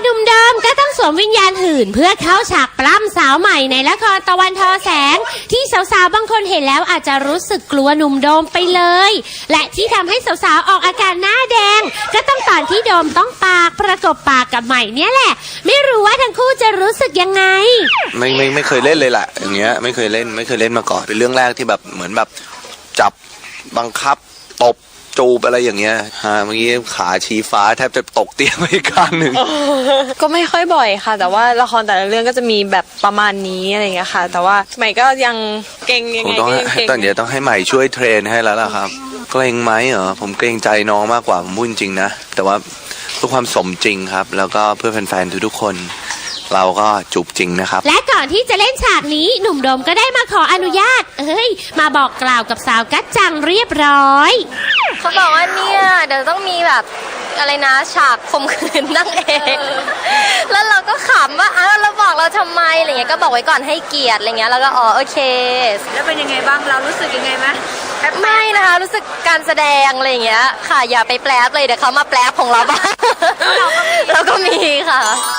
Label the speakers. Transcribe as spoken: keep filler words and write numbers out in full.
Speaker 1: หนุ่มเดิมก็ต้องสวมวิญญาณหื่นเพื่อเข้าฉากปล้ำสาวใหม่ในละครตะวันทอแสงที่สาวๆบางคนเห็นแล้วอาจจะรู้สึกกลัวหนุ่มโดมไปเลยและที่ทำให้สาวๆออกอาการหน้าแดงก็ต้องตอนที่โดมต้องปากประกบปากกับใหม่เนี่ยแหละไม่รู้ว่าทั้งคู่จะรู้สึกยังไง
Speaker 2: ไม่ไม่ไม่เคยเล่นเลยแหละอย่างเงี้ยไม่เคยเล่นไม่เคยเล่นมาก่อนเป็นเรื่องแรกที่แบบเหมือนแบบจับบังคับตบจูบอะไรอย่างเงี้ยฮะเมื่อกี้ขาชี้ฟ้าแทบจะตกเตียงไปข้างหนึ่ง
Speaker 3: ก็ไม่ค่อยบ่อยค่ะแต่ว่าละครแต่ละเรื่องก็จะมีแบบประมาณนี้อะไรอย่างเงี้ยค่ะแต่ว่าใหม่ก็ยังเก่งยังไงก็ยังเก่ง
Speaker 2: ตอนเดี๋ยวต้องให้ใหม่ช่วยเทรนให้แล้วล่ะครับเกรงไหมเหรอผมเกรงใจน้องมากกว่าผมพูดจริงนะแต่ว่าเพื่อความสมจริงครับแล้วก็เพื่อแฟนๆทุกๆคนเราก็จูบจริงนะครับ
Speaker 1: และก่อนที่จะเล่นฉากนี้หนุ่มโดมก็ได้มาขออนุญาตเอ้ยมาบอกกล่าวกับสาวกัจจังเรียบร้อย
Speaker 4: เขาบอกว่าเนี่ยเดี๋ยวต้องมีแบบอะไรนะฉากข่มขืนนั่งเองแล้วเราก็ขำว่าอ้าวเราบอกเราทำไมอะไรเงี้ยก็บอกไว้ก่อนให้เกียรติอะไรเงี้ยแล้วก็อ๋อโอเค
Speaker 5: แล้วเป็นยังไงบ้างเรารู้สึกยังไงไหม
Speaker 4: ไม่นะคะรู้สึกการแสดงอะไรเงี้ยค่ะอย่าไปแปลเลยเดี๋ยวเขามาแปลของเราบ้างเราก็มีค่ะ